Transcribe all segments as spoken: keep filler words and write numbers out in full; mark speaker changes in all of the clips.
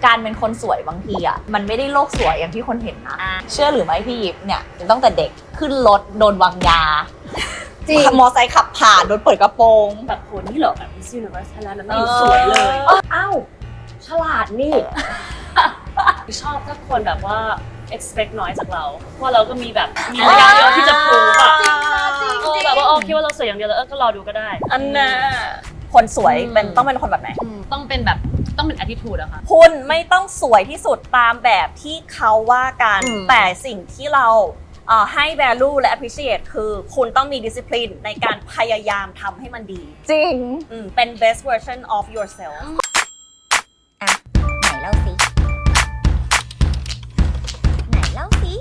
Speaker 1: การเป็นคนสวยบางทีอ่ะมันไม่ได้โลกสวยอย่างที่คนเห็นนะเชื่อหรือไม่พี่ยิปเนี่ยตั้งแต่เด็กขึ้นรถโดนวางยาจริงมอไซค์ขับผ่านโดนเปิดกระโปรง
Speaker 2: แบบโหนี่เหรอแบบ Miss Universe Thailand แล้วไม่อยู่สวยเลย
Speaker 3: อ้าวฉลาดนี่
Speaker 2: ชอบถ้าคนแบบว่า expect น้อยจากเราเพราะเราก็มีแบบมีรายการเยอะที่จะพูดอ่ะเออแบบว่าโอเคว่าเราสวยอย่างเดียวแล้วก็รอดูก็ได้
Speaker 1: อันน่ะคนสวยเป็นต้องเป็นคนแบบไหน
Speaker 2: ต้องเป็นแบบต้องเป็น attitude อะค่ะ
Speaker 1: คุณไม่ต้องสวยที่สุดตามแบบที่เขาว่ากันแต่สิ่งที่เราให้ value และ appreciate คือคุณต้องมี discipline ในการพยายามทำให้มันดี
Speaker 3: จริง
Speaker 1: เป็น best version of yourself อ่ะไหนเล่าสิไหนเล่าสิ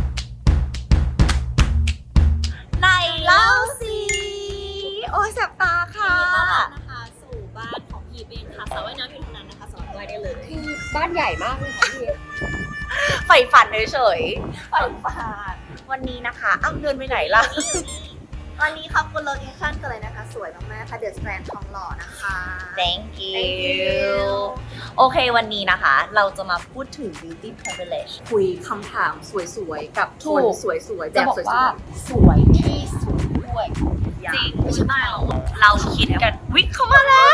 Speaker 1: ไหนเล่าสิโอ้ยแสบตาค่ะ
Speaker 2: นะคะสู่บ้านของพี่เบนค่ะสาวว่ายน้ำอยู่ตรงนั้นนะคะสอนว่ายได้เลย
Speaker 3: บ้านใหญ่มากเลยค่ะพี่
Speaker 1: ใฝ่ฝันเฉยๆใฝ่ฝันวันนี้นะคะอ้าวเดินไปไหนล่ะ
Speaker 4: วันนี้ขอบคุณโลเคชั่นกันเลยนะคะสวยมากๆค่ะเดอะสแตรนด์ทองหล่อนะคะ
Speaker 1: thank you โอเควันนี้นะคะเราจะมาพูดถึง beauty privilege
Speaker 3: คุยคำถามสวยๆกับคนสวยๆแบบสวย
Speaker 1: ๆสวยที่สุดด้วยจริงใช่ไหมเราคิดกันวิเข้ามาแล้ว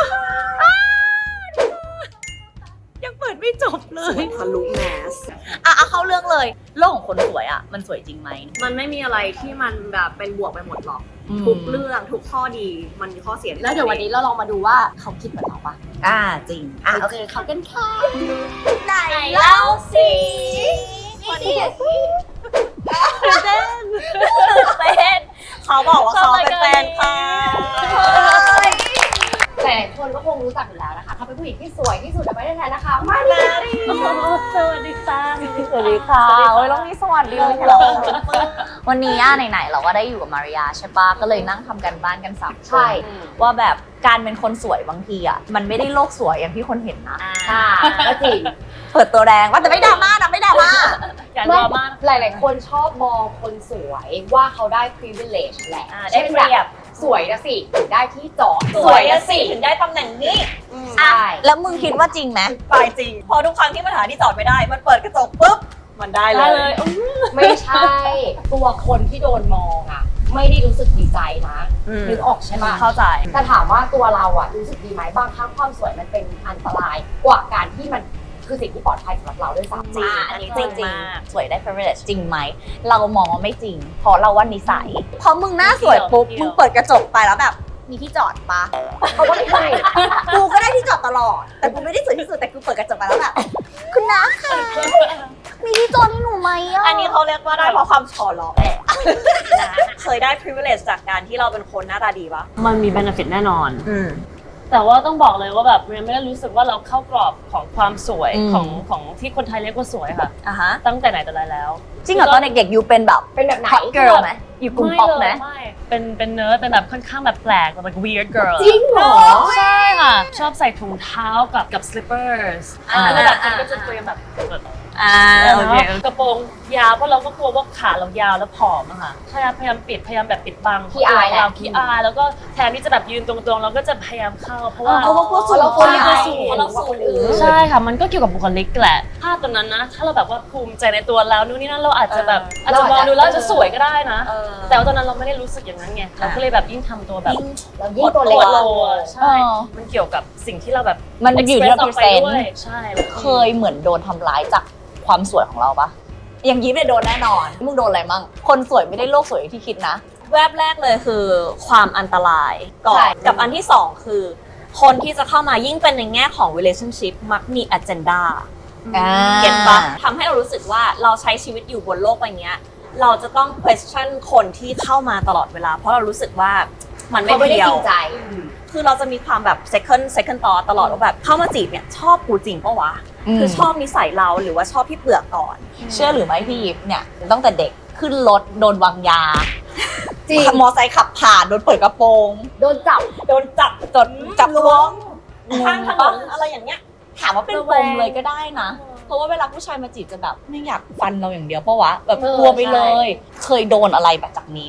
Speaker 1: ยังเปิดไม่จบเลย
Speaker 3: ทะลุแมส
Speaker 1: อ่ะเข้าเรื่องเลยโลกของคนสวยอ่ะมันสวยจริงไหม
Speaker 3: มันไม่มีอะไรที่มันแบบเป็นบวกไปหมดหรอกทุกเรื่องทุกข้อดีมันมีข้อเสีย
Speaker 1: แล้วเดี๋ยววันนี้เราลองมาดูว่าเขาคิดเหมือนเราปะอ่าจริงอ่ะโอเคเขากันค่ะไหนเล่าสิวันนี้เต้นเต้นเขาบอกว่าเขาเป็นแฟนค่ะ
Speaker 3: แต่คนก็คงรู้จักอยู่แล้วนะคะเขาเป็นผู้หญิงที่สวยที่สุดในประเทศไทยนะคะมาลี
Speaker 2: สวัสดีค่ะ
Speaker 1: สวัสดีค่ะโอ้ยต้องมีสวัสดีเลยค่ะวันนี้อ่ะไหนๆเราก็ได้อยู่กับมาริยาใช่ปะก็เลยนั่งทำกันบ้านกันสามคนว่าแบบการเป็นคนสวยบางทีอ่ะมันไม่ได้โลกสวยอย่างที่คนเห็นนะ
Speaker 3: อ่าก็จริง
Speaker 1: เปิดตัวแรงว่าแต่ไม่ดราม่านะไม่ดราม่า
Speaker 2: การดราม่า
Speaker 3: หลายๆคนชอบมองคนสวยว่าเขาได้ privilege แหละ
Speaker 1: ได้เปรียบ
Speaker 3: สวยนะสิถึงได้ที่จอด
Speaker 1: สวยนะสิถึงได้ตำแหน่งนี้ใช่แล้วมึงคิดว่าจริงไหมไปจริงพอทุกครั้งที่มันหาที่จอดไม่ได้มันเปิดกระจกปุ๊บมันได้เลย
Speaker 3: ไม่ใช่ตัวคนที่โดนมองอ่ะไม่ได้รู้สึกดีใจนะนึกออกใช่ไหม
Speaker 1: เข้าใจ
Speaker 3: แต่ถามว่าตัวเราอ่ะรู้สึกดีไหมบางครั้งความสวยมันเป็นอันตรายกว่าการที่มันคือสิ่งที่ปลอดภัยสำหรับเราด้วยซ้ำ
Speaker 1: จริงอันนี้จริงจริงสวยได้ privilege จริงไหมเรามองว่าไม่จริงเพราะเราว่านิสัยพอมึงหน้าสวยปุ๊บมึงเปิดกระจกไปแล้วแบบมีที่จอดปะ
Speaker 3: เขาก็ไม่ใช่
Speaker 1: กูก็ได้ที่จอดตลอดแต่กูไม่ได้สวยที่สุดแต่กูเปิดกระจกไปแล้วแบบคุณน้าค่ะมีที่จอดให้หนูไหมอ่ะอันนี้เขาเรียกว่าได้เพราะความฉอหลอกแหละเคยได้ privilege จากการที่เราเป็นคนหน้าตาดีปะ
Speaker 2: มันมี benefit แน่นอนแต่ว่าต้องบอกเลยว่าแบบเรียนไม่ได้รู้สึกว่าเราเข้ากรอบของความสวยของของที่คนไทยเรียกว่าสวยค่ะ
Speaker 1: อ่ะฮะ
Speaker 2: ตั้งแต่ไหนแต่ไรแล้ว
Speaker 1: จริงเหรอตอนเด็กๆยูเป็นแบบ
Speaker 3: เป็นแบบไหน
Speaker 1: hot girl ไหมอยู่กลุ่มป๊อปไหม
Speaker 2: ไม่เป็นเป็นเนิร์ดเป็นแบบค่อนข้างแบบแปลกแบบ weird girl
Speaker 3: จริงเหรอ
Speaker 2: ใช่ค่ะชอบใส่ถุงเท้ากับกับ slippers แล้วแบบมันก็จะเตรียมแบบ
Speaker 1: อ่าโอเค
Speaker 2: กระโปรงยาวเพราะเราก็กลัวว่าขาเรายาวแล้วผอมอะค่ะพยายามพยายามปิดพยายามแบบปิดบัง
Speaker 3: ขี้อาย
Speaker 2: เราขี้อายแล้วก็แทนที่จะแบบยืนตรงๆเราก็จะพยายามเข้าเพราะว่า
Speaker 1: เราก็สูง
Speaker 3: เราคนสูง
Speaker 1: เราสูง
Speaker 2: ใช่ค่ะมันก็เกี่ยวกับบุคลิกแหละถ้าตอนนั้นนะถ้าเราแบบว่าภูมิใจในตัวแล้วนู่นนี่นั่นเราอาจจะแบบอาจจะมองดูแล้วจะสวยก็ได้นะแต่ว่าตอนนั้นเราไม่ได้รู้สึกอย่างนั้นไงเราก็เลยแบบยิ่งทำตัวแบบ
Speaker 3: เรายิ่งตัวเล็กลง
Speaker 2: ใช่มันเกี่ยวกับสิ่งที่เราแบบ
Speaker 1: มันอยู่ที่ represent
Speaker 2: ใช่
Speaker 1: เคยเหมือนโดนทำร้ายจากความสวยของเราปะอย่างยิ้มเนี่ยโดนแน่นอนมึงโดนอะไรมั่งคนสวยไม่ได้โลกสวยที่คิดนะแวบแรกเลยคือความอันตรายก่อนกับอันที่สองคือคนที่จะเข้ามายิ่งเป็นในแง่ของ relationship มักมี agenda เก็ตปะทำให้เรารู้สึกว่าเราใช้ชีวิตอยู่บนโลกใบนี้เราจะต้อง question คนที่เข้ามาตลอดเวลาเพราะเรารู้สึกว่ามันไม่
Speaker 3: ได้จริงใจ
Speaker 1: คือเราจะมีความแบบ second second thought ตลอดว่าแบบเข้ามาจีบเนี่ยชอบกูจริงปะวะคือชอบนิสัยเราหรือว่าชอบพี่เปลือกก่อนเชื่อหรือไม่พี่ยิปเนี่ยตั้งแต่เด็กขึ้นรถโดนวางยาจริงมอไซค์ขับผ่านโดนเปิดกระโปรง
Speaker 3: โดนจับ
Speaker 1: โดนจับจนจับล้วงข้างถนนอะไรอย่างเงี้ยถามว่าเป็นปมเลยก็ได้นะเพราะว่าเวลาผู้ชายมาจีบจะแบบไม่อยากฟันเราอย่างเดียวเพราะวะแบบกลัวไปเลยเคยโดนอะไรแบบจากนี้ไหม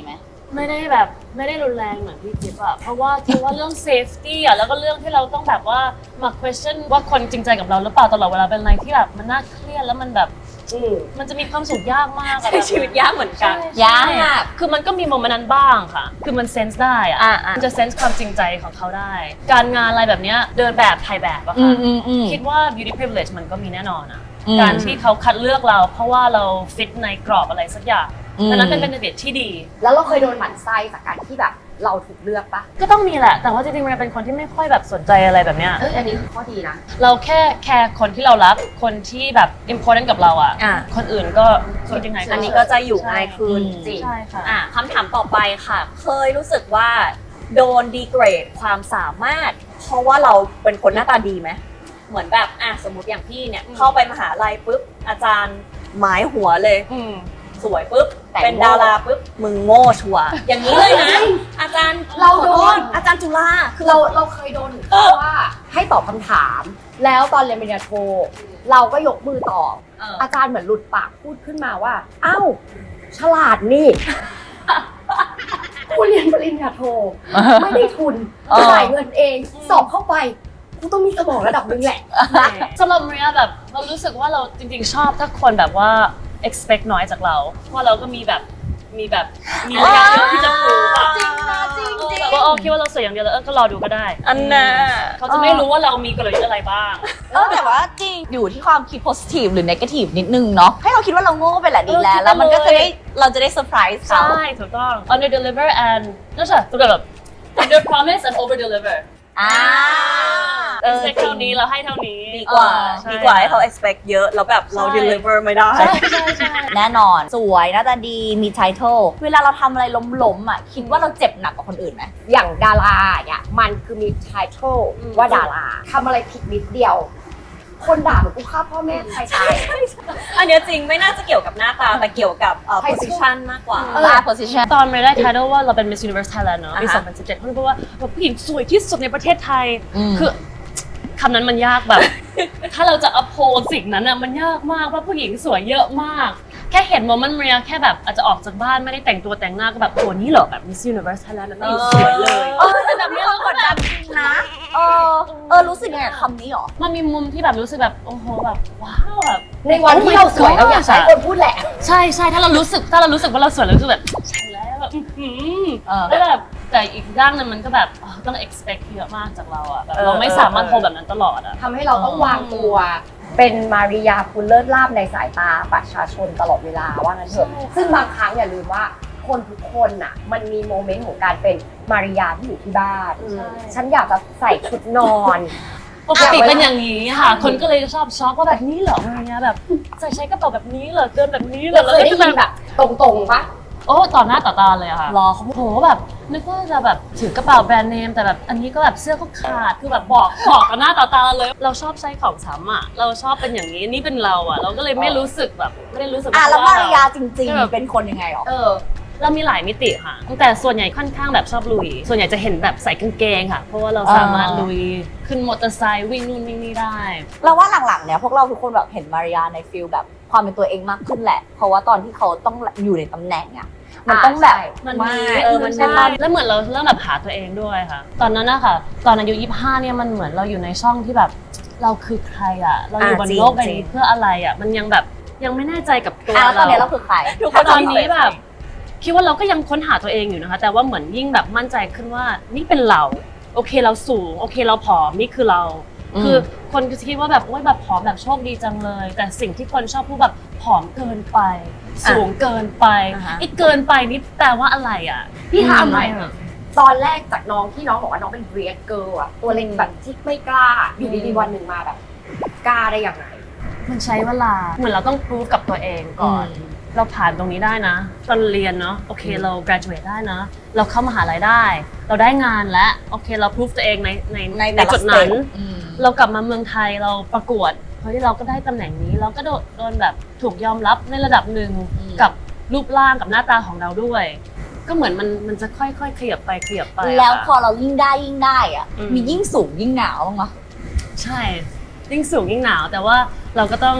Speaker 2: ไม่ได้แบบไม่ได้รุนแรงเหมือนพี่จิ๊บอะเพราะว่าคิดว่าเรื่อง safety อะแล้วก็เรื่องที่เราต้องแบบว่ามา question ว่าคนจริงใจกับเราหรือเปล่าตลอดเวลาเป็นอะไรที่แบบมันน่าเครียดแล้วมันแบบมันจะมีความสุขยากมากอะ
Speaker 1: ใช้ชีวิตยากเหมือนกัน
Speaker 2: ใช่
Speaker 1: ยาก
Speaker 2: ใช่คือมันก็มีโมเมนต์นั้นบ้างค่ะ คือมันเซนส์ได้อะ
Speaker 1: อ่าอ่ามั
Speaker 2: มันจะเซนส์ความจริงใจของเขาได้ การงานอะไรแบบเนี้ยเดินแบบถ่ายแบบอะ
Speaker 1: อื
Speaker 2: ค่ะ
Speaker 1: มอืมอืม
Speaker 2: คิดว่า beauty privilege มันก็มีแน่นอนอะ
Speaker 1: อืม
Speaker 2: การที่เขาคัดเลือกเราเพราะว่าเราฟิตในกรอบอะไรสักอย่าง
Speaker 1: อืม
Speaker 2: ดังนั้นเป็น benefit ที่ดี
Speaker 3: แล้วเราเคยโดนหมั่นไส้จากการที่แบบเราถูกเลือกปะ
Speaker 2: ก็ต้องมีแหละ แต่ว่าจริงๆมันเป็นคนที่ไม่ค่อยแบบสนใจอะไรแบบเนี้ย
Speaker 3: เอ้ยอันนี้คือข้อดีนะ
Speaker 2: เราแค่แคร์คนที่เรารัก คนที่แบบ important กับเราอ่ะ
Speaker 1: อ่ะ
Speaker 2: คนอื่นก็คิดยังไง
Speaker 1: อันนี้ก็จะอยู่ง่ายขึ้น
Speaker 3: จริง
Speaker 2: ใช่ค่ะ
Speaker 1: อ่ะคำถามต่อไปค่ะ เคยรู้สึกว่าโดนดีเกรดความสามารถ เพราะว่าเราเป็นคนหน้าตาดีไหมเหมือนแบบอ่ะสมมติอย่างพี่เนี่ย
Speaker 2: อืม
Speaker 1: เข้าไปมหาลัยปุ๊บอาจารย์หมายหัวเลย
Speaker 2: อืม
Speaker 1: สวยปุ๊บ
Speaker 3: แต่ง
Speaker 1: เป็น
Speaker 3: โง่
Speaker 1: ดาราปุ๊บมึงโง่ชัวร์อย่างนี้เลยนะ อาจารย์
Speaker 3: เราโดน
Speaker 1: อาจารย์จุฬา
Speaker 3: คือเราเราเคยโดนถึงขั้นว่าให้ตอบคำถาม แล้วตอนเรียนปริญญาโท เราก็ยกมือตอบ
Speaker 1: เออ
Speaker 3: อาจารย์เหมือนหลุดปากพูดขึ้นมาว่า เอ้า ฉลาดนี่ กูเรียนปริญญาโท ไม่ได้ทุน
Speaker 1: เออ
Speaker 3: จ่ายเงินเอง สอบเข้าไป กูต้องมีสมองระดับหนึงแหละ
Speaker 2: สำหรับเรียแบบเรารู้สึกว่าเราจริงๆชอบถ้าคนแบบว่า expect น้อยจากเรา เพราะเราก็มีแบบมีแบบมีระยะเยอะที่จะพูดอะ
Speaker 1: จริงนะจริงจริง
Speaker 2: แบบว่าโอ้คิดว่าเราสวยอย่างเดียวแล้วเออก็รอดูก็ได้
Speaker 1: อันน่ะ
Speaker 2: เขาจะไม่รู้ว่าเรามีกลยุทธ์อะไรบ้าง
Speaker 1: เออแต่ว่าจริงอยู่ที่ความคิด positive หรือ negative นิดนึงเนาะให้เราคิดว่าเราโง่ไปแหละดีแล้ว
Speaker 2: เออคิดไป
Speaker 1: แล้วมันก็จะ
Speaker 2: เลย
Speaker 1: ได้เราจะได้เซอร์ไพรส์เขา
Speaker 2: ใช่ถูกต้อง under deliver and นั่นใช่ถูกแบบ under promise and over deliver
Speaker 1: อ่า
Speaker 2: เออเท่านี้เราให้เท่านี้
Speaker 1: ดีกว่า
Speaker 2: ใช่
Speaker 1: ดีกว่าให้เขา expect เยอะ แล้วแบบเรา
Speaker 2: ใช่
Speaker 1: deliver ไม่ได้
Speaker 2: ใช่ใช่ใช่
Speaker 1: แน่นอน สวยหน้าตาดีมี title เวลาเราทำอะไรล้มๆอ่ะ คิดว่าเราเจ็บหนักกว่าคนอื่นไหม
Speaker 3: อย่างดาราเนี่ยมันคือมีไททอล
Speaker 2: อืม
Speaker 3: ว่าดาราทำอะไรผิดนิดเดียว คนด่าเหมือนกูฆ่าพ่อแม่ใครตาย
Speaker 1: อันเนี้ยจริงไม่น่าจะเกี่ยวกับหน้าตา แต่เกี่ยวกับเอ่อ
Speaker 3: Title
Speaker 1: position มากกว่า
Speaker 3: เออ
Speaker 1: ลา position
Speaker 2: ตอนไม่ได้ title ว่าเราเป็น Miss Universe Thailand เนอะปี
Speaker 1: อ่าฮะ
Speaker 2: สองพันสิบเจ็ดเขาพูดว่าแบบผู้หญิงสวยที่สุดในประเทศไทย
Speaker 1: อืม
Speaker 2: คือคำนั้นมันยากแบบ ถ้าเราจะ uphold สิ่งนั้นอ่ะมันยากมากว่าผู้หญิงสวยเยอะมาก แค่เห็นโมเมนต์เรียแค่แบบอาจจะออกจากบ้านไม่ได้แต่งตัวแต่งหน้าก็แบบโหนี่เหรอแบบ Miss Universe Thailand แบบนี้สวยเลย
Speaker 1: เออแต่แบบนี้เรากดดันจริงนะ เออ เออ รู้สึกยังไงกับคำนี้หรอ
Speaker 2: มันมีมุมที่แบบรู้สึกแบบโอ้โหแบบว้าวแบบ
Speaker 3: ในวันที่เราสวยเราอยากใช้คนพูดแหละ
Speaker 2: ใช่ใช่ถ้าเรารู้สึกถ้าเรารู้สึกว่าเราสวยเรารู้สึกแบบใช่แล้วแบบอื้อหือ
Speaker 1: เออ
Speaker 2: แล้วแบบแต่อีกด้านหนึงมันก็แบบอ๋อต้อง expect เยอะมากจากเราอ่ะแบบ
Speaker 1: เออ
Speaker 2: เราไม่สามารถ
Speaker 1: เออ
Speaker 2: โฮแบบนั้นตลอดอ่ะ
Speaker 3: ทำให้เราต้องวางตัวเป็นมาริยาคุณเลิศลาบในสายตาประชาชนตลอดเวลาว่างั้นเถอะ
Speaker 2: ใช่ค่ะ
Speaker 3: ซึ่งบางครั้งอย่าลืมว่าคนทุกคนน่ะมันมีโมเมนต์ของการเป็นมาริยาที่อยู่ที่บ้าน ฉันอยากจะใส่ชุดนอน
Speaker 2: ปกติเป็นอย่างนี้ค่ะ คนก็เลยชอบช็อกว่าแบบนี้เหรออะไรเงี้ยแบบใส่ใช้กระเป๋าแบบนี้เหรอเดินแบบนี้เหร
Speaker 3: เรา
Speaker 2: อ
Speaker 3: เคยได้
Speaker 2: ก็
Speaker 3: ยิ
Speaker 2: จะ
Speaker 3: นแบบตรงๆปะ
Speaker 2: โอ้ต่อหน้าต่อตาเลยอะค่ะ
Speaker 1: รอ
Speaker 2: โอ้โหแบบนึกว่าจะแบบถือกระเป๋าแบรนด์เนมแต่แบบอันนี้ก็แบบเสื้อก็ขาดคือแบบบอกบอกต่อหน้าต่อตาเลย เราชอบใช้ของซ้ำอะเราชอบเป็นอย่างนี้นี่เป็นเราอะเราก็เลยไม่รู้สึกแบบไม่ได้รู้สึก
Speaker 1: อ่ะแล้วมาริยาจริง
Speaker 2: เออ
Speaker 1: ๆ เป็นคนยังไงหรอ
Speaker 3: เออ
Speaker 2: เรามีหลายมิติค่ะแต่ส่วนใหญ่ค่อนข้างแบบชอบลุย ส่วนใหญ่จะเห็นแบบใส่กางเกงค่ะ เพราะว่าเราสามารถ
Speaker 1: อ่า
Speaker 2: ลุยขึ้นมอเตอร์ไซค์วิ่งนู่นวิ่งนี่ได้
Speaker 1: เราว่าหลังๆ เนี่ยพวกเราทุกคนแบบเห็นมาริยาในฟิลแบบความเป็นตัวเองมากขึ้นแหละ เพราะว่าตอนที่เขาต้องอยู่ในตำแหน่งอ่ะ มันต้องแบบ
Speaker 3: ใช่
Speaker 2: มัน
Speaker 1: ไ
Speaker 2: มี
Speaker 1: เออ มัน
Speaker 2: ใช่
Speaker 1: ได้
Speaker 2: แล้วเหมือนเราเริ่มแบบหาตัวเองด้วยค่ะ ตอนนั้นนะคะตอนอายุยี่สิบห้าเนี่ยมันเหมือนเราอยู่ในช่องที่แบบเราคือใครอะเราอยู่บน
Speaker 1: อ่าจริง
Speaker 2: โลกใบ
Speaker 1: จริ
Speaker 2: นี้
Speaker 1: ง
Speaker 2: เพื่ออะไรอะมันยังแบบยังไม่แน่ใจกับตัว
Speaker 1: อ่ะแล้วตอน
Speaker 2: เรา
Speaker 1: นี้เราคือใคร
Speaker 2: ทุกคนตอนนี้แบบคิดว่าเราก็ยังค้นหาตัวเองอยู่นะคะ แต่ว่าเหมือนยิ่งแบบมั่นใจขึ้นว่านี่เป็นเราโอเคเราสูงโอเคเราผอมนี่คือเรา
Speaker 1: อืม
Speaker 2: คือคนก็จะคิดว่าแบบโอ๊ยแบบผอมแบบโชคดีจังเลย แต่สิ่งที่คนชอบพูดแบบผอมเกินไป สูงเกินไป
Speaker 1: อ่าฮะ
Speaker 2: ไอ้เกินไปนี่แปลว่าอะไรอ่ะ
Speaker 3: พี่ถามหน่อย
Speaker 2: อืม
Speaker 3: ตอนแรกจากน้องที่น้องบอกว่าน้องเป็นเรียกเกิร์ลอะตัวเล็กแบบที่ไม่กล้า อยู่ดีๆวันหนึ่งมาแบบ กล้าได้ยังไง
Speaker 2: มันใช้เวลาเหมือนเราต้องพิสูจกับตัวเองก่อน
Speaker 1: อืม
Speaker 2: เราผ่านตรงนี้ได้นะ ตอนเรียนเนาะโอเคเรา graduate ได้นะ เราเข้ามหาลัยได้ เราได้งานแล้วโอเคเราพิสูจตัวเองในใน
Speaker 1: ใน
Speaker 2: ใน
Speaker 1: แต่ละ
Speaker 2: จุดนั้น
Speaker 1: stage อืม
Speaker 2: เรากลับมาเมืองไทยเราประกวดเฮ้ยเราก็ได้ตำแหน่งนี้ เราก็โดนโดนแบบถูกยอมรับในระดับหนึ่ง
Speaker 1: อืม
Speaker 2: กับรูปร่างกับหน้าตาของเราด้วย ก็เหมือนมันมันจะค่อยๆขยับไปขยับไปะ
Speaker 1: แล้วพอ
Speaker 2: ค่ะ
Speaker 1: เรายิ่งได้ยิ่งได้อ่ะ
Speaker 2: อืม
Speaker 1: มียิ่งสูงยิ่งหนาวบ้างไหม
Speaker 2: ใช่ยิ่งสูงยิ่งหนาว แต่ว่าเราก็ต้อง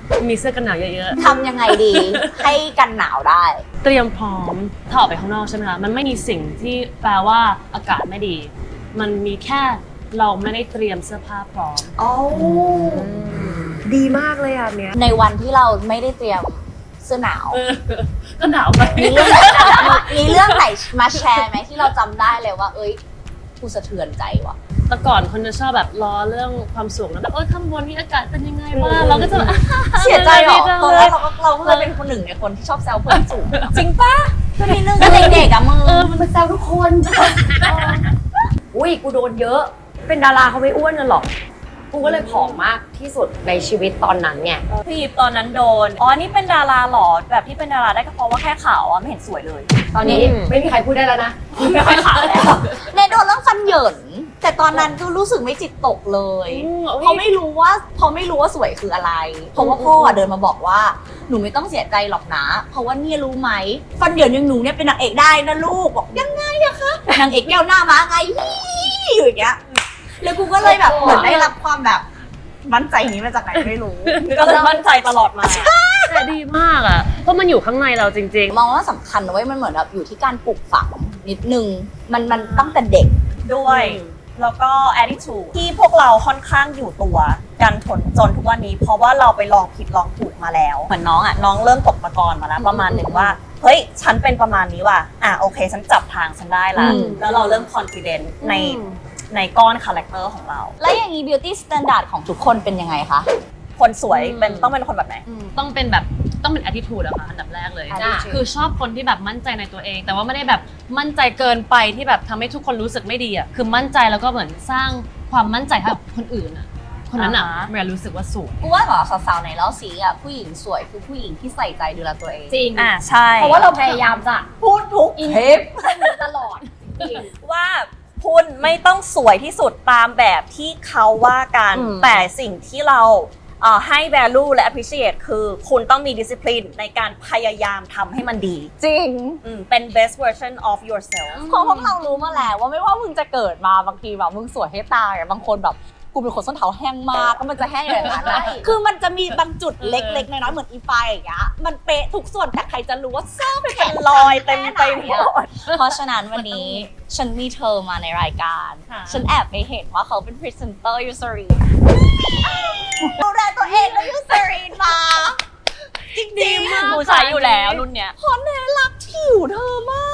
Speaker 2: มีเสื้อกันหนาวเยอะ
Speaker 1: ทำยังไงดี ให้กันหนาวได้
Speaker 2: ๆ เตรียมพร้อมถ้าออกไปข้างนอกใช่ไหมคะมันไม่มีสิ่งที่แปลว่าอากาศไม่ดี มันมีแค่เราไม่ได้เตรียมเสื้อผ้าพร้อม
Speaker 3: อ๋อดีมากเลยอ่ะเนี้ย
Speaker 1: ในวันที่เราไม่ได้เตรียมเสื้อหนาว
Speaker 2: เออก็หนาวไป
Speaker 1: มีเรื่องมีเรื่องไหนมาแชร์ไหมที่เราจำได้เลยว่า เอ้ยกูสะเทือนใจว่ะ
Speaker 2: แต่ก่อนคนจะชอบแบบล้อเรื่องความสูงแล้วแบบเออข้างบนนี่อากาศเป็นยังไงบ้างเราก็จะแบบ
Speaker 1: เสียใจเหรอ
Speaker 2: ไม่ได้
Speaker 1: ตอนแรกเราก็เราก็เคยเป็นคนหนึ่งในคนที่ชอบแซวเพื่อนสูง จริงปะก็มีเรื่องก็เด็กๆอะมึง
Speaker 2: เออ
Speaker 3: มันแซวทุกคนอุ้ยกูโดนเยอะ เป็นดาราเขาไม่อ้วนกันหรอกกูก็เลยผอมมากที่สุดในชีวิตตอนนั้นไง
Speaker 1: พี่ตอนนั้นโดน อ๋อ นี่เป็นดาราหรอ แบบที่เป็นดาราได้ก็เพราะว่าแค่ขาวอ่ะ ไม่เห็นสวยเลย
Speaker 3: ตอนนี้
Speaker 2: อืม
Speaker 3: ไม่มีใครพูดได้แล้วนะไม่ค่อยขาวแล้ว
Speaker 1: เนยโดนเรื่องฟันเหยิน แต่ตอนนั้นก็รู้สึกไม่จิตตกเลย
Speaker 2: อืม
Speaker 1: เพราะไม่รู้ว่าเพราะไม่รู้ว่าสวยคืออะไร เพราะว่าพ่ออะเดินมาบอกว่า หนูไม่ต้องเสียใจหรอกนะ เพราะว่าเนี่ยรู้ไหม ฟันเหยินอย่างหนูเนี่ยเป็นนางเอกได้นะลูก บอกยังไงอะคะ นางเอกแก้วหน้าม้าไงอยู่อย่างเงี้ย แล้วกูก็เลยแบบเหมือนได้รับความแบบมั่นใจนี้มาจากไหนไม่รู้ ก็เลยมั่นใจตลอดมา
Speaker 2: แต่ดีมากอ่ะเพราะมันอยู่ข้างในเราจริง
Speaker 1: มองว่าสำคัญนะเว้ยมันเหมือนแบบอยู่ที่การปลูกฝังนิดนึง มันมันตั้งแต่เด็ก
Speaker 5: ด้วย แล้วก็ attitude ที่พวกเราค่อนข้างอยู่ตัวกันทนจนทุกวันนี้ เพราะว่าเราไปลองผิดลองถูกมาแล้ว เหมือนน้องอ่ะน้องเริ่มตกตะกอนมาแล้วประมาณหนึ่งว่าเฮ้ยฉันเป็นประมาณนี้ว่ะอ่ะโอเคฉันจับทางฉันได้ละ
Speaker 1: อืม
Speaker 5: แล้วเราเริ่ม confident
Speaker 2: ๆ
Speaker 5: ในในก้อนคาแรคเตอร์ของเรา
Speaker 1: แล้วอย่างนี้ beauty standard ของทุกคนเป็นยังไงคะ
Speaker 5: คนสวย
Speaker 2: อืม
Speaker 5: เป็นต้องเป็นคนแบบไหน
Speaker 2: ต้องเป็นแบบต้องเป็น attitude อะค่ะอันดับแรกเลย
Speaker 1: attitude
Speaker 2: คือชอบคนที่แบบมั่นใจในตัวเอง แต่ว่าไม่ได้แบบมั่นใจเกินไปที่แบบทำให้ทุกคนรู้สึกไม่ดีอะคือมั่นใจแล้วก็เหมือนสร้างความมั่นใจให้กับคนอื่นอะคนนั้นอะ
Speaker 1: อ่าฮะ
Speaker 2: เมียรู้สึกว่าสูง
Speaker 1: กูว่าเหรอสาวๆในเล่าซีอ่ะผู้หญิงสวยคือผู้หญิงที่ใส่ใจดูแลตัวเอง
Speaker 3: จริง
Speaker 5: อ่าใช่
Speaker 3: เพราะว่าเราพยายามจะ
Speaker 5: พูดทุก
Speaker 3: อิน
Speaker 5: เทป
Speaker 3: ตลอดจริง
Speaker 5: ว่าคุณไม่ต้องสวยที่สุดตามแบบที่เขาว่ากัน
Speaker 1: อืม
Speaker 5: แต่สิ่งที่เราเอ่อให้ value และ appreciate คือคุณต้องมี discipline ในการพยายามทำให้มันดี
Speaker 1: จริง
Speaker 5: อืมเป็น best version of yourself
Speaker 1: เพราะพวกเรารู้มาแล้วว่าไม่ว่ามึงจะเกิดมาบางทีแบบมึงสวยให้ตายอะบางคนแบบกูเป็นคนส้นเท้าแห้งมากก็มันจะแห้งอย่างนั้นนะ
Speaker 3: ใช่
Speaker 1: คือมันจะมีบางจุดเล็กๆน้อยๆเหมือนอีไฟอย่างเงี้ยมันเป๊ะทุกส่วนแต่ใครจะรู้ว่าซ่อมเป็น
Speaker 5: รอยเต็มไปหมด
Speaker 1: เพราะฉะนั้นวันนี้ฉันมีเธอมาในรายการ
Speaker 5: ค่ะ
Speaker 1: ฉันแอบไปเห็นว่าเขาเป็นพรีเซนเตอร์ยูซารีนดูแลตัวเองแล้วยูซารีนมาจริง
Speaker 2: ดีมาก
Speaker 1: ๆหนูใช้อยู่แล้วรุ่นเนี้ยเพราะเนยรักผิวเธอมาก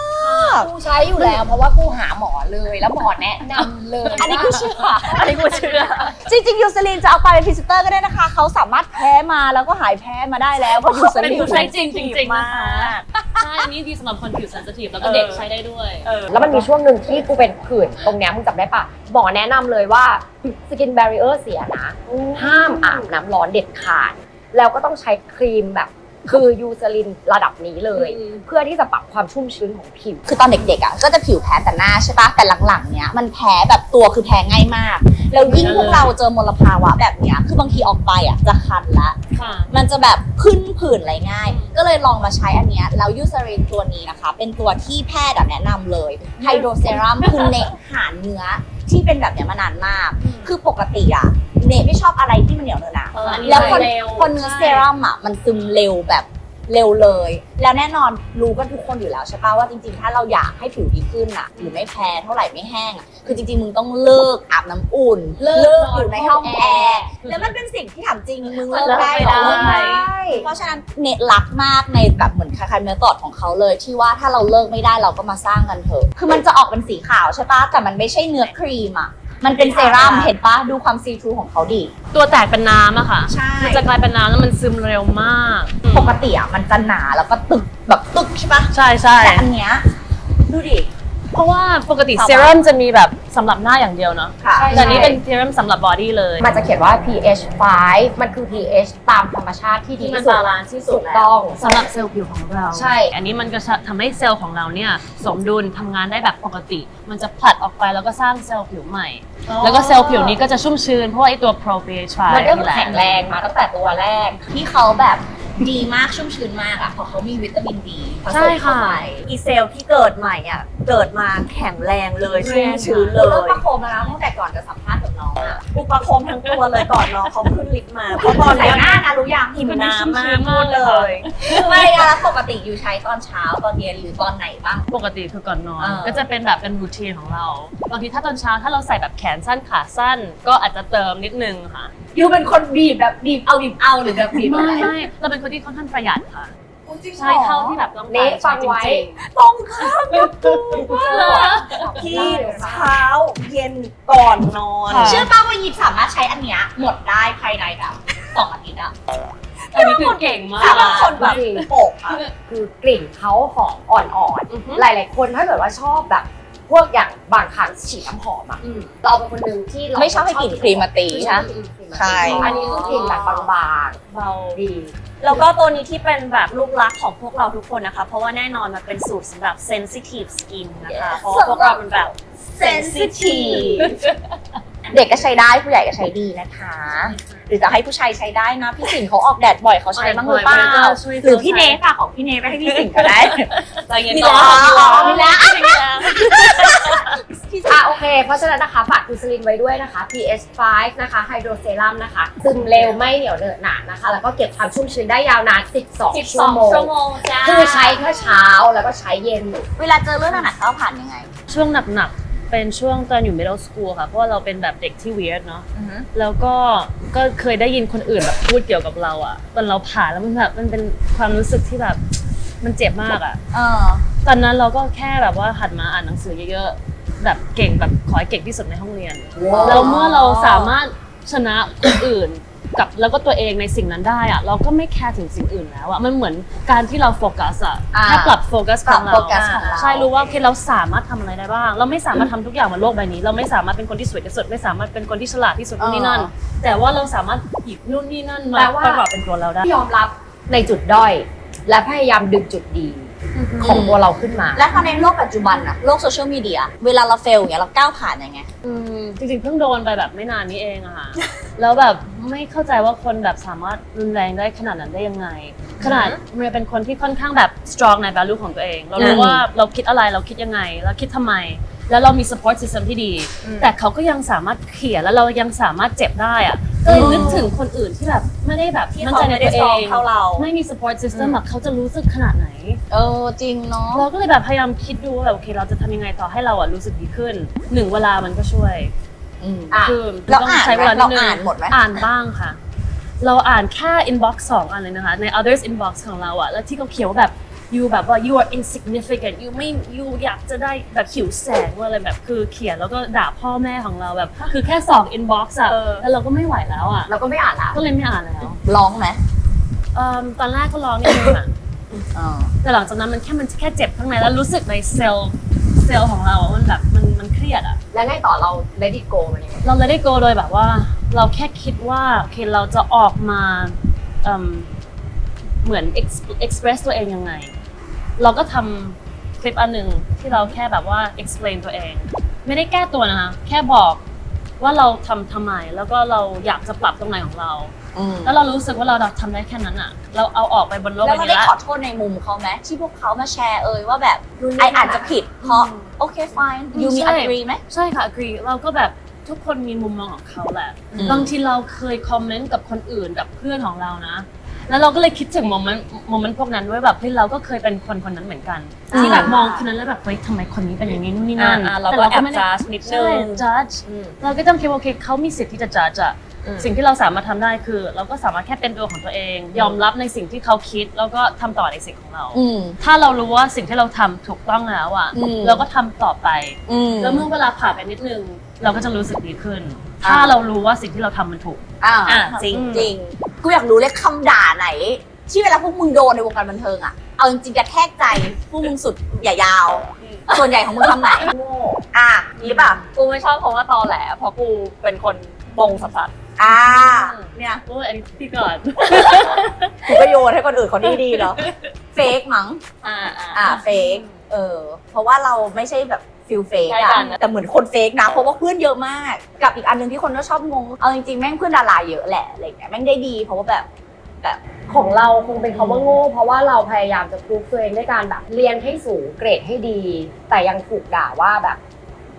Speaker 3: กูใช้อยู่แล้ว เพราะว่ากูหาหมอเลยแล้วหมอแนะนำเลย
Speaker 1: อันนี้กูเชื่อ
Speaker 2: อันนี้กูเชื่อ
Speaker 1: จริงๆยูซารีนจะเอาไปเป็นพรีเซนเตอร์ก็ได้นะคะ เขาสามารถแพ้มาแล้วก็หายแพ้มาได้แล้วเพราะยูซา
Speaker 2: เป็น
Speaker 1: รีน
Speaker 2: ผู้ใช้จริงจริงๆ
Speaker 5: มา
Speaker 2: นะคะ
Speaker 5: ก
Speaker 2: ใช่ อันนี้ดีสำหรับคนผิว sensitive แล้วก็เด็กใช้ได้ด้วย
Speaker 5: เออ
Speaker 3: แล้วมันมีช่วงหนึ่งที่กูเป็นผื่นตรงเนี้ยมึงจำได้ปะหมอแนะนำเลยว่าสกิน barrier เสียนะ ห้ามอาบน้ำร้อนเด็ดขาด แล้วก็ต้องใช้ครีมแบบคือยูซาลินระดับนี้เลย
Speaker 2: อืม
Speaker 3: เพื่อที่จะปรับความชุ่มชื้นของผิว
Speaker 1: คือตอนเด็กๆอ่ะก็จะผิวแพ้แต่หน้าใช่ปะแต่หลังๆเนี้ยมันแพ้แบบตัวคือแพ้ง่ายมาก แล้วยิ่งพวกเราเจอมลภาวะแบบเนี้ยคือบางทีออกไปอ่ะจะคันละ
Speaker 2: ค่ะ
Speaker 1: มันจะแบบขึ้นผื่นอะไรง่าย ก็เลยลองมาใช้อันเนี้ยแล้วยูซารินตัวนี้นะคะ เป็นตัวที่แพทย์อะแนะนำเลยไฮโดรเซรัมคือเนหาเนื้อที่เป็นแบบเนี้ยมานานมาก คือปกติอะเนไม่ชอบอะไรที่มันเหนียวเนอะนะ
Speaker 2: เอออันนี้
Speaker 1: แล้วคน
Speaker 2: เร็ว
Speaker 1: คนเนื้อ
Speaker 2: ใช่
Speaker 1: เซรั่มอะมันซึมเร็วแบบเร็วเลย แล้วแน่นอนรู้กันทุกคนอยู่แล้วใช่ปะว่าจริงๆ ถ้าเราอยากให้ผิวดีขึ้นอะหรือไม่แพ้เท่าไหร่ไม่แห้งอะคือจริงๆมึงต้องเลิกอาบน้ำอุ่น เลิกอยู่ในห้องแอร์แล้วมันเป็นสิ่งที่ถามจริงมึงเลิกได้เหรอ
Speaker 2: เลิกไม่ได้
Speaker 1: เพราะฉะนั้นเนตรักมากในแบบเหมือนคล้ายๆเมธอดของเขาเลยที่ว่าถ้าเราเลิกไม่ได้เราก็มาสร้างกันเถอะคือมันจะออกเป็นสีขาวใช่ปะแต่มันไม่ใช่เนื้อครีมอะมันเป็นเซรั่มเห็นปะดูความซีทรูของเขาดิ
Speaker 2: ตัวแตกเป็นน้ำอะค่ะ
Speaker 1: ใช่
Speaker 2: มันจะกลายเป็นน้ำแล้วมันซึมเร็วมาก
Speaker 1: ปกติอะมันจะหนาแล้วก็ตึกแบบตึกใช่ปะ
Speaker 2: ใช่ใช่
Speaker 1: แต่อันเนี้ยดูดิ
Speaker 2: เพราะว่าปกติ
Speaker 1: สบาย
Speaker 2: เซรั่มจะมีแบบสำหรับหน้าอย่างเดียวเนาะ
Speaker 1: ค่ะ
Speaker 2: แต่อันนี้เป็นเซรั่มสำหรับบอดี้เลย
Speaker 3: มันจะเขียนว่า พี เอช ไฟว์ มันคือ พี เอช ตามธรรมชาติที่ดี
Speaker 2: ที่มัน
Speaker 3: ที่สุด
Speaker 2: บาลานซ์ที่สุด
Speaker 3: ถูกต้อง
Speaker 2: สำหรับเซลล์ผิวของเรา
Speaker 3: ใช่
Speaker 2: อันนี้มันก็จะทำให้เซลล์ของเราเนี่ยสมดุลทำงานได้แบบปกติ มันจะผลัดออกไปแล้วก็สร้างเซลล์ผิวใหม่ แล้วก็เซลล์ผิวนี้ก็จะชุ่มชื้นเพราะว่าไอตัว probiotic
Speaker 3: มันก็
Speaker 2: นี่แหละ
Speaker 3: แข็งแรงมาตั้งแต่ตัวแรก
Speaker 1: ที่เขาแบบดีมากชุ่มชื้นมากอะเพราะเขามีวิตามินดีผส
Speaker 2: ใช่
Speaker 1: มเข้า
Speaker 2: ค่ะ
Speaker 1: ไป
Speaker 5: อีเซลล์ที่เกิดใหม่อ่ะ เกิดมาแข็งแรงเลยชุ่มชื้นเล
Speaker 1: เริ่ม
Speaker 5: ย
Speaker 1: ประโคมแล้วนะตั้งแต่ก่อนจะสัมภาษณ์กับน้องอะ
Speaker 5: อุปโคมทั้งตัวเลยก่อนน้องเขาขึ้นลิฟต์มาเพราะตอน
Speaker 4: ใส่
Speaker 5: เนี้ย
Speaker 4: หน้านะรู้ยัง
Speaker 5: หิวน้ำมากพูดเลย
Speaker 1: ไม่อะแล้วปกติอยู่ใช้ตอนเช้าตอนเย็นหรือตอนไหนบ้าง
Speaker 2: ปกติคือก่อนนอน
Speaker 1: อ่า
Speaker 2: ก็จะเป็นแบบเป็นรูทีนของเราบางทีถ้าตอนเช้าถ้าเราใส่แบบแขนสั้นขาสั้น ก็อาจจะเติมนิดนึงค่ะ
Speaker 1: ยูเป็นคนบีบแบบบีบเอาบีบเอาหรือแบบบีบ
Speaker 2: ไม่
Speaker 1: อะไร
Speaker 2: ไม่เราเป็นคนที่ค่อนข้างประหยัดค่ะ
Speaker 1: จริงเหรอ
Speaker 2: ใช่เท่าที่แบบต้องการ
Speaker 3: เนะฟังไว้
Speaker 2: จริง
Speaker 1: ตรงข้ามกับกู
Speaker 5: ที่เช้าเย็นก่อนนอน
Speaker 2: ค่ะ
Speaker 1: เชื่อป่าวว่ายิบสามารถใช้อันเนี้ยหมดได้ภายในแบบสองอาทิตย์อะ
Speaker 2: ๆอันนี้คือเก่งมาก
Speaker 5: ถ้าบางคนแบบ
Speaker 3: จริง
Speaker 5: โปกอะ
Speaker 3: คือกลิ่นเขาหอมอ่อน
Speaker 2: อือฮึ
Speaker 3: ๆ หลายๆคนถ้าเกิดว่าชอบแบบพวกอย่างบางครั้งฉีดน้ำหอมอ่ะ
Speaker 2: อืม
Speaker 3: เราเป็นคนหนึ่งที่เรา
Speaker 1: ไม่ชอบให้กลิ่นครีมมาตี
Speaker 3: ไม่ช
Speaker 1: ใช่
Speaker 3: อบ
Speaker 1: ไหม
Speaker 3: ให้กลิ่นครีมมาตี
Speaker 5: ใช่
Speaker 3: อันนี้คือกลิ่นแบบบาง
Speaker 2: เบา
Speaker 3: ๆดี
Speaker 5: แล้วก็ตัวนี้ที่เป็นแบบลูกรักของพวกเราทุกคนนะคะ เพราะว่าแน่นอนมันเป็นสูตรสำหรับ sensitive skin นะคะ เพราะว่าพวกเราเป็นแบบ sensitive
Speaker 1: เด็กก็ใช้ได้ผู้ใหญ่ก็ใช้ดีนะคะ หรือจะให้ผู้ชายใช้ได้นะ พี่สิงห์เขาออกแดดบ่อยเขาใช้บ้างหรือเปล่า
Speaker 2: ช่วย
Speaker 1: หรือพี่เนฟอะของพี่เนฟไปให้พี่สิงห์ก็ได้
Speaker 5: ใจเย็น
Speaker 1: มี
Speaker 5: ก่อ
Speaker 1: แล้ว
Speaker 5: น
Speaker 1: มีแล้ว
Speaker 3: อ่ะโอเค เพราะฉะนั้นนะคะฝากดูสลินไว้ด้วยนะคะ พี เอช ไฟว์ นะคะไฮโดรเซรั่มนะคะซึมเร็วไม่เหนียวเหนอะหนะนะคะ แล้วก็เก็บความชุ่มชื้นได้ยาวนาน สิบสอง ชั่วโมง
Speaker 1: ชั่วโมงจ้า
Speaker 3: คือใช้แค่เช้าแล้วก็ใช้เย็น
Speaker 1: เวลาเจอเรื่องหนักๆเขาผ่านยังไง
Speaker 2: ช่วงหนักๆ เป็นช่วงตอนอยู่ middle school ค่ะ เพราะว่าเราเป็นแบบเด็กที่ weird เนาะ แล้วก็ก็เคยได้ยินคนอื่นแบบพูดเกี่ยวกับเราอะตอนเราผ่านแล้วมันแบบมันเป็นความรู้สึกที่แบบมันเจ็บมากอะ
Speaker 1: เออ
Speaker 2: ตอนนั้นเราก็แค่แบบว่าหัดมาอ่านหนังสือเยอะๆ แบบเก่งแบบขอให้เก่งที่สุดในห้องเรียน
Speaker 1: ว้าว
Speaker 2: แล้วเมื่อเราสามารถชนะคนอื่นกับแล้วก็ตัวเองในสิ่งนั้นได้อะเราก็ไม่แคร์ถึงสิ่งอื่นแล้วอะมันเหมือนการที่เราโฟกัสอะ
Speaker 1: อ่า
Speaker 2: แค่ปรับโฟกัสของเรา
Speaker 1: ปรับโฟกัสของเรา
Speaker 2: ใช่รู้ว่าโอเคเราสามารถทำอะไรได้บ้าง เราไม่สามารถทำทุกอย่างบนโลกใบนี้ เราไม่สามารถเป็นคนที่สวยที่สุดไม่สามารถเป็นคนที่ฉลาดที่สุดนู่นนี่นั่น แต่ว่าเราสามารถหยิบนู่นนี่นั่นมา
Speaker 3: แปลว่า
Speaker 2: ประกอบเป็นตัวเราได้
Speaker 3: ยอมรับในจุดด้อย และพยายามดึงจุดดีของตัวเราขึ้นมา
Speaker 1: และถ้าในโลกปัจจุบันอะโลกโซเชียลมีเดียเวลาเราเฟลอย่างเงี้ยเราก้าวผ่านยังไง
Speaker 2: อืมจริงๆเพิ่งโดนไปแบบไม่นานนี้เองอะค่ะ แล้วแบบไม่เข้าใจว่าคนแบบสามารถรุนแรงได้ขนาดนั้นได้ยังไง ขนาดเมียเป็นคนที่ค่อนข้างแบบ strong ใน value ของตัวเอง เรารู้ว่าเราคิดอะไรเราคิดยังไงเราคิดทำไม แล้วเรามี support system ที่ดี แต่เขาก็ยังสามารถเขี่ยแล้วเรายังสามารถเจ็บได้อะก็เลยนึกถึงคนอื่นที่แบบไม่ได้แบบ
Speaker 5: ที่
Speaker 2: มั่น
Speaker 5: เขา
Speaker 2: ใจใน
Speaker 5: ไม่ได้
Speaker 2: ตัว
Speaker 5: ส
Speaker 2: เอ
Speaker 5: อง
Speaker 2: ง
Speaker 5: เท่าเรา
Speaker 2: ไม่มี support system แบบเขาจะรู้สึกขนาดไหน
Speaker 1: เออจริงเนาะ
Speaker 2: เราก็เลยแบบพยายามคิดดูว่าแบบโอเคเราจะทำยังไงต่อให้เราอะรู้สึกดีขึ้นหนึ่งเวลามันก็ช่วย
Speaker 3: อ่ะ
Speaker 2: คือ
Speaker 1: เรา
Speaker 2: ต้อง
Speaker 1: อ่าน
Speaker 2: ใช้
Speaker 1: ไหม
Speaker 2: เวลานิ
Speaker 1: เรา
Speaker 2: ดนึง
Speaker 1: อ่านหมดไหม
Speaker 2: อ่านบ้างค่ะ เราอ่านแค่ inbox สองอันเลยนะคะ ใน others inbox ของเราอะแล้วที่เขาเขียนว่าแบบ you แบบว่า you are insignificant you ไม่ you อยากจะได้แบบหิวแสงว่าอะไรแบบคือเขียนแล้วก็ด่าพ่อแม่ของเราแบบ คือแค่สอง inbox อะ
Speaker 5: เออ
Speaker 2: แล้วเราก็ไม่ไหวแล้วอะ
Speaker 3: เราก็ไม่อ่านละ
Speaker 2: ก็เลยไม่อ่านแล้ว
Speaker 1: ร้องไหม
Speaker 2: เอิ่มตอนแรกก็ร้องนิดนึงอะ
Speaker 1: เออ
Speaker 2: แต่หลังจากนั้นมันแค่มันแค่เจ็บข้างในแล้วรู้สึกในเซลล์เซลล์ของเราอะมันแบบมันมันเครียดอะ
Speaker 3: แล้วไงต่อเรา let it go มันยังไง
Speaker 2: เราเลยได้โกโดยแบบว่า เราแค่คิดว่าโอเคเราจะออกมาเอิ่มเหมือน ex- express ตัวเองยังไง เราก็ทำคลิปอันหนึ่งที่เราแค่แบบว่า explain ตัวเอง ไม่ได้แก้ตัวนะคะแค่บอกว่าเราทำทำไมแล้วก็เราอยากจะปรับตรงไหนของเรา
Speaker 1: อืม
Speaker 2: แล้วเรารู้สึกว่าเราทำได้แค่นั้นอะเราเอาออกไปบนโลก
Speaker 1: แล้ว
Speaker 2: ใบ
Speaker 1: เขา
Speaker 2: นี้
Speaker 1: ได้
Speaker 2: แล้ว
Speaker 1: ขอโทษในมุมเขาไหมที่พวกเขามาแชร์เอ่ยว่าแบบไออาจจะผิดเพราะโอเค fine ยูมี
Speaker 2: ใช่
Speaker 1: agree ไหม
Speaker 2: ใช่ค่ะ agree เราก็แบบทุกคนมีมุมมองของเขาแหละ
Speaker 1: อืม
Speaker 2: บางทีเราเคยคอมเมนต์กับคนอื่นกับเพื่อนของเรานะ แล้วเราก็เลยคิดถึงโมเมนต์โมเมนต์พวกนั้นด้วยแบบเฮ้ยเราก็เคยเป็นคนคนนั้นเหมือนกัน ที่แบบมองคนนั้นแล้วแบบเฮ้ยทำไมคนนี้เป็นอย่างนี้นู่นนี่นั่น
Speaker 5: อ่าๆเราก็
Speaker 2: แต่
Speaker 5: แอบ
Speaker 2: ไม่ได้
Speaker 5: judge นิดนึ
Speaker 2: ใช่
Speaker 5: ง
Speaker 2: judge เราก็ต้องคิดว่าโอเคเขามีสิทธิ์ที่จะ judge อะ
Speaker 3: อืม
Speaker 2: สิ่งที่เราสามารถทำได้คือ เราก็สามารถแค่เป็นตัวของตัวเอง ยอมรับในสิ่งที่เขาคิดแล้วก็ทำต่อในสิ่งของเรา
Speaker 1: อืม
Speaker 2: ถ้าเรารู้ว่าสิ่งที่เราทำถูกต้องแล้วอะ
Speaker 1: อืม
Speaker 2: เราก็ทำต่อไป
Speaker 1: อืม
Speaker 2: แล้วเมื่อเวลาผ่านไปนิดนึง เราก็จะรู้สึกดีขึ้น
Speaker 1: อ่า
Speaker 2: ถ้าเรารู้ว่าสิ่งที่เราทำมันถูก
Speaker 1: อ่า
Speaker 5: อ่ะจริง
Speaker 1: จริง กูอยากรู้เลยคำด่าไหน ที่เวลาพวกมึงโดนในวงการบันเทิงอะเอาจริงๆกระแทกใจพวกมึงสุดอย่ายาว ส่วนใหญ่ของมึงคำไหนโง่อ่ะนี่ป่ะ
Speaker 5: กูไม่ชอบเพราะว่าตอแหลเพราะกูเป็นคนบงสัส
Speaker 1: อ่าเนี่ย
Speaker 2: โอ้ยอันนี้พี่ก่อน
Speaker 1: กูก็โยนให้คนอื่นเขาดีดีๆเหรอเฟกมั้ง
Speaker 5: ๆอ่าอ่า
Speaker 1: อ่าเฟกเออเพราะว่าเราไม่ใช่แบบฟิลเฟก
Speaker 5: ใช่
Speaker 1: อะ
Speaker 5: กัน
Speaker 1: แต่เหมือนคนเฟกนะเพราะว่าเพื่อนเยอะมาก กับอีกอันหนึงที่คนก็ชอบงงเอาจริงๆแม่งเพื่อนดาราเยอะแหละอะไรอย่างเงี้ยแม่งได้ดีเพราะว่าแบบแบบ
Speaker 3: ของเราคงเป็นคำว่าโง่เพราะว่าเราพยายามจะพรูฟตัวเองด้วยการแบบเรียนให้สูงเกรดให้ดี แต่ยังถูกด่าว่าแบบ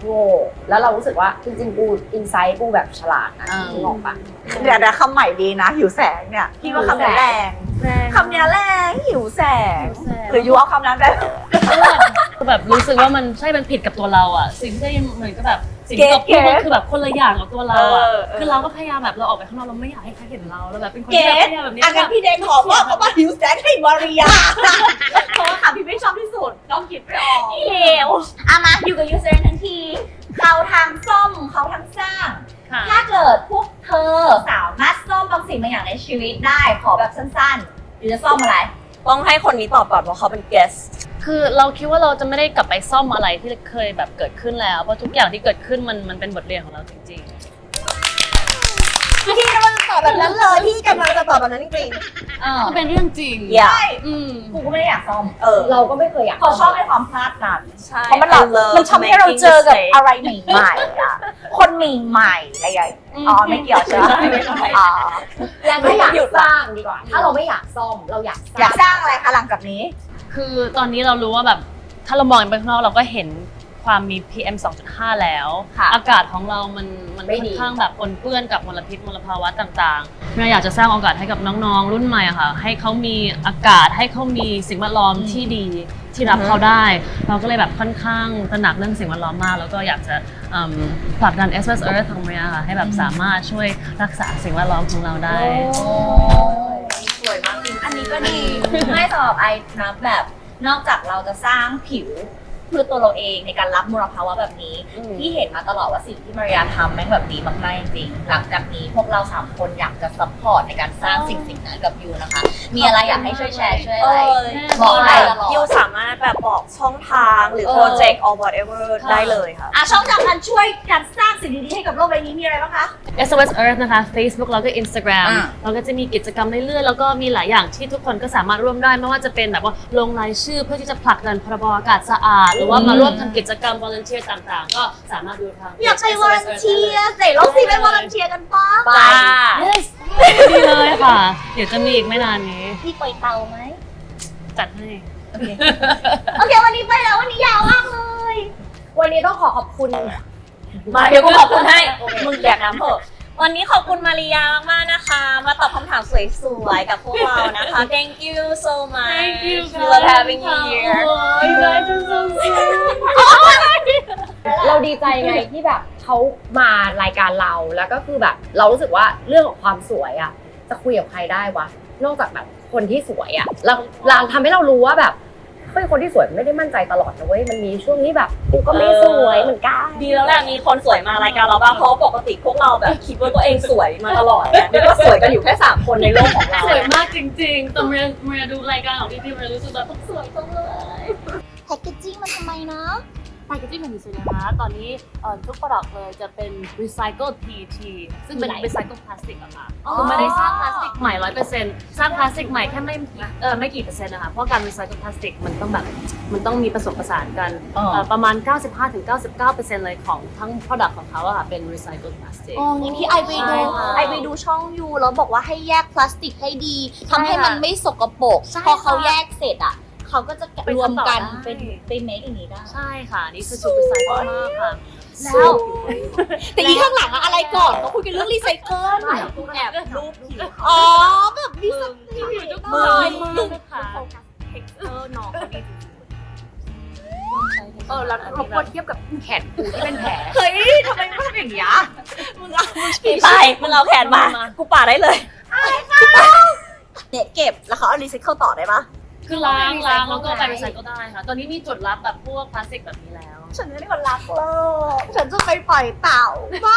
Speaker 3: โง่แล้วเรารู้สึกว่าจริงๆกูอินไซต์กูแบบฉลาดนะ
Speaker 1: อ่า
Speaker 3: นึกออกปะ
Speaker 5: เดี๋ยวนะคำใหม่ดีนะ หิวแสงเนี่ยพี่ว่าคำนี้แรงคำนี้แรงหิวแสง หรือยูเอาคำนั้นได้
Speaker 2: คือแบบรู้สึกว่ามันใช่มันผิดกับตัวเราอ่ะสิ่งที่เหมือนก็แบบสิ่งที่เราพูดมันคือแบบคนละอย่างกับตัวเราอ่ะ
Speaker 5: เออเออ
Speaker 2: คือเราก็พยายามแบบเราออกไปข้างนอกเราไม่อยากให้ใครเห็นเราแล้วแบบเป็นคน
Speaker 5: เก
Speaker 2: ที่แบบ
Speaker 5: ต
Speaker 2: พยายามแบบนี้
Speaker 5: อันนั้นพี่เดนขอมอบคำว่าหิวแสงให้มาริยาเพราะว่าคำที่ไม่ชอบที่สุดน้องคิดไม่ออก
Speaker 1: เลวอามาอยู่กับยูเซอร์ทั้งทีเขาทางซ่อมเขาทางสร้าง
Speaker 2: ค่ะ
Speaker 1: ถ้าเกิดพวกเธอสามารถซ่อมบางสิ่งบางอย่างในชีวิตได้ขอแบบสั้นๆหรือจะซ่อมอะไร
Speaker 5: ต้องให้คนนี้ตอบก่อนเพราะเขาเป็น guest
Speaker 2: คือเราคิดว่าเราจะไม่ได้กลับไปซ่อมอะไรที่เคยแบบเกิดขึ้นแล้วเพราะทุกอย่างที่เกิดขึ้นมันมันเป็นบทเรียนของเราจริง
Speaker 5: พี่กำลังจะตอบแบบนั้นเลยพี่กำลังจะตอบแบบนั้นจริง
Speaker 2: ๆมันเป็นเรื่องจริง
Speaker 5: ๆอย่า
Speaker 2: อืม
Speaker 1: กูก็ไม่ได้อยากซ่อม
Speaker 5: เออ
Speaker 3: เราก็ไม่เคยอยาก
Speaker 1: เขาชอบในความพลาดนั้น
Speaker 5: ใช่
Speaker 1: เพราะมันแบบ
Speaker 5: I love
Speaker 1: มันทำให้เราเจอกับ
Speaker 5: making
Speaker 1: อะไรใหม่ๆอะคนใหม่ๆอะไรอย่างเงี้ยอ๋อไม่เกี่ยวใช่ไหม
Speaker 5: ไม่ใช่
Speaker 1: อ๋อ
Speaker 3: แล้วถ้าอยาก
Speaker 5: หยุดละ
Speaker 3: สร้างดีกว่า ถ้าเราไม่อยากซ่อมเราอยากสร้าง
Speaker 1: อยากสร้างอะไรคะหลังจากนี้
Speaker 2: คือตอนนี้เรารู้ว่าแบบถ้าเรามองไปข้างนอกเราก็เห็นความมี พี เอ็ม สองจุดห้า แล้ว
Speaker 1: ค่ะ
Speaker 2: อากาศของเรามันมันค่อนข้างแบบปนเปื้อนกับมลพิษมลภาวะต่างๆเราอยากจะสร้างโอกาสให้กับน้องๆ รุ่นใหม่อะค่ะให้เขามีอากาศให้เขามีสิ่งแวดล้อมที่ดีที่รับเขาได้ เราก็เลยแบบค่อนข้างตระหนักเรื่องสิ่งแวดล้อมมาก แล้วก็อยากจะเอิ่มผลักดัน เอส เอส Earth ของเมียค่ะให้แบบสามารถช่วยรักษาสิ่งแวดล้อมของเราได้
Speaker 1: สวยมากจริงอันนี้ก็ดีไม่สำหรับไอนะแบบนอกจากเราจะสร้างผิวเพื่อตัวเราเองในการรับมลภาวะแบบนี้
Speaker 3: อืม
Speaker 1: ที่เห็นมาตลอดว่าสิ่งที่มาริยาทำแม่งแบบดีมากๆจริงๆหลังจากนี้พวกเราสามคนอยากจะซัพพอร์ตในการสร้างสิ่งสิ่งนั้นกับยูนะคะ มีอะไรอยากให้ช่วยแชร์ช่วย
Speaker 5: เอ
Speaker 1: อะไร
Speaker 5: อ
Speaker 1: บอกอะไรตลอด
Speaker 5: ยูสามารถแบบบอกช่องทางหรือ
Speaker 1: เออ
Speaker 5: โปรเจกต์ or whatever ได้เลยค่ะ
Speaker 1: อ่ะช่องทางการช่วยการสร้างสิ่งดีๆให้กับโลกใบนี้มีอะไรบ้างคะ
Speaker 2: เอส โอ เอส Earth นะคะ Facebook แล้วก็ Instagram
Speaker 1: อ่า
Speaker 2: เราก็จะมีกิจกรรมเรื่อยๆ แล้วก็มีหลายอย่างที่ทุกคนก็สามารถร่วมได้ ไม่ว่าจะเป็นแบบว่าลงรายชื่อเพื่อที่จะผลักดันพรบอากาศสะอาด หรือว่ามาร่วมทำกิจกรรม volunteer ต่างๆ ก็สามารถดูทาง
Speaker 1: อยากไปวอร์เทียร์เสร็จเราสิไปวอร์เทียร์กันปะ
Speaker 3: ไป
Speaker 2: Yes ดีเลยค่ะ เดี๋ยวจะมีอีกไม่นานนี้
Speaker 1: พี่ปล่อยเตาไหม
Speaker 2: จัดให้
Speaker 1: โอเค โอเค วันนี้ไปแล้ว วันนี้ยาวมากเลย
Speaker 3: วันนี้ต้องขอขอบคุณ
Speaker 5: มาเดี๋ยวกูขอบคุณให้ มึงแดกน้ำเถอะ วันนี้ขอบคุณมาริยามากๆนะคะ มาตอบคำถามสวยๆกับพวกเรานะคะ Thank you so much
Speaker 2: Thank you
Speaker 5: We love having you here
Speaker 2: Oh, you guys are so sweet
Speaker 3: เราดีใจไงที่แบบเขามารายการเราแล้วก็คือแบบเรารู้สึกว่าเรื่องของความสวยอ่ะจะคุยกับใครได้วะนอกจากแบบคนที่สวยอ่ะเราเราทำให้เรารู้ว่าแบบเฮ้ยคนที่สวยไม่ได้มั่นใจตลอดนะเว้ยมันมีช่วงนี้แบบกูก็ไม่สวยเหมือนกัน
Speaker 5: ดีแล้วแหละมีคนสวยมารายการเราบ้างเพราะปกติพวกเราแบบคิดว่าตัวเองสวยมาตลอดเนี่ยนึกว่าสวยกันอยู่แค่สามคนในโลกของเรา
Speaker 2: สวยมากจริงๆแต่เมียเมียดูรายการของพี่พี่เมียรู้สึกแบบสวยจังเลย
Speaker 1: แพคเกจจิ้งมันทำไมนะ
Speaker 2: แพคเกจจิ้งของดิฉันนะคะตอนนี้เอ่อทุก product เลยจะเป็น recycled พี ที ซึ่งเป็น recycled plastic อะค่ะ
Speaker 1: อ๋อ
Speaker 2: คือไม่ได้สร้างพลาสติกใหม่ ร้อยเปอร์เซ็นต์ สร้างพลาสติกใหม่แค่ไม่เออไม่กี่เปอร์เซ็นต์นะคะเพราะการ recycled plastic มันต้องแบบมันต้องมีผสมผสานกัน
Speaker 1: อ๋อ
Speaker 2: เอ่อประมาณ เก้าสิบห้าถึงเก้าสิบเก้าเปอร์เซ็นต์ เลยของทั้ง product ของเขาอะค่ะเป็น recycled plastic
Speaker 1: อ๋องี้ที่ไอไปดู
Speaker 2: ใช่ค่ะ
Speaker 1: ไอไปดูช่องยูแล้วบอกว่าให้แยกพลาสติกให้ดีทำให้มันไม่สกปรก
Speaker 2: ใช่
Speaker 1: พอเขา
Speaker 2: ค่ะ
Speaker 1: แยกเสร็จอ่ะเขาก็จะ
Speaker 2: ไป
Speaker 1: รวมกัน
Speaker 2: ทำต่อได้
Speaker 1: เป็นเป็นเมคอย่างนี้ได้
Speaker 2: ใช่ค่ะ นี่คือชุด recycle มากค่ะ
Speaker 1: แล้ว แต่อีข้างหลังอะอะไรก่อนเขาคุยกันเรื่องรีไซเคิล
Speaker 5: แอบรูปผิว
Speaker 1: อ๋อแบบมีสติ
Speaker 2: มือ
Speaker 1: มือ
Speaker 2: ค่ะ
Speaker 5: เท็กเจอร์น้องเขาดีจริง
Speaker 3: เออแล้วเราควรเทียบกับแขนกูที่เป็นแผล
Speaker 1: เฮ้ยทำไมไม่ทำอย่างนี้อะมึงเอา
Speaker 5: ๆไปมึงเอาแขนมา กูป่าได้เลยเนี่ยเก็บแล้วเขาเอารีไซเคิลต่อได้ปะ
Speaker 2: คือล้างล้างแล้วก็ไป recycle ได้ค่ะ ตอนนี้มีจุดรับแบบพวกพลาสติกแบบนี้แล้ว
Speaker 5: ฉันไม่ได้คนรักโลกฉันจะไปปล่อยเต่าบ้า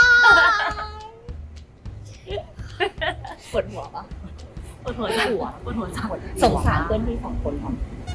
Speaker 1: ปวดหัวปะ
Speaker 2: ปวดหัวจังปวดหัวจัง
Speaker 1: สงสารเพื่อนพี่สองคนเนาะ